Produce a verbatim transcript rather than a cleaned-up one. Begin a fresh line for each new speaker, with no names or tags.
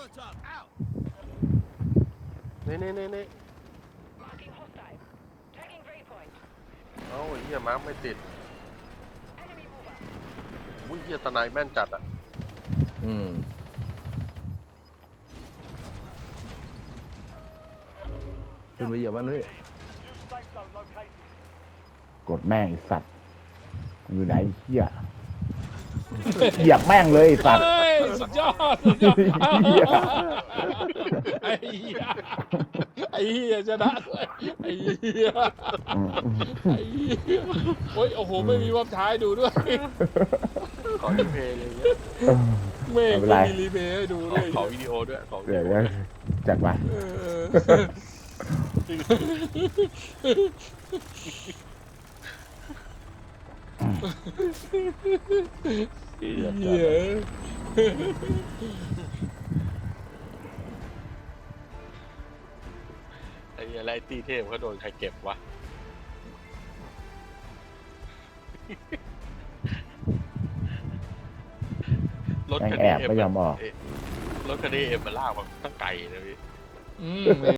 นี่นี่นี่นี่เอ้าไอ้เหี้ยมาร์คไม่ติดอุ้ยเหี้ยตะไนแม่นจัดอ่ะ
อืมขึ้นไปเหยียบมันเลย
กดแม่งไอ้สัตว์อยู่ไหนเหี้ยเหยียบแม่งเลยไอ้สัตว์
เฮ้ยสุดยอดสุดยอด
เหี้ย
ไอ้เหี้ยไอ้เหี้ยชนะด้วยไอ้เหี้ยไอ้เหี้ยโอ้ยโอ้โหไม่มีวับท้ายดูด้วย
ขอรีเพย์เลยเนี่ย
แม่ง
ไม่เป็นไร
มีรีเพย์ให้ดูด้วย
ขอวิดีโอด้วยขอวิดี
เดี๋ยว
โอ
เดี๋ยวจัดไป
เออเหี้ย
ไอ้เหี้ยไรตีเทพเขาโดนใครเก็บวะรถ
แม่ง
คัน
แอ
นี้
บไม่ยอมออก
รถคันนี้เอ็มมาลากมาตั้งไกลนะพี่
อืม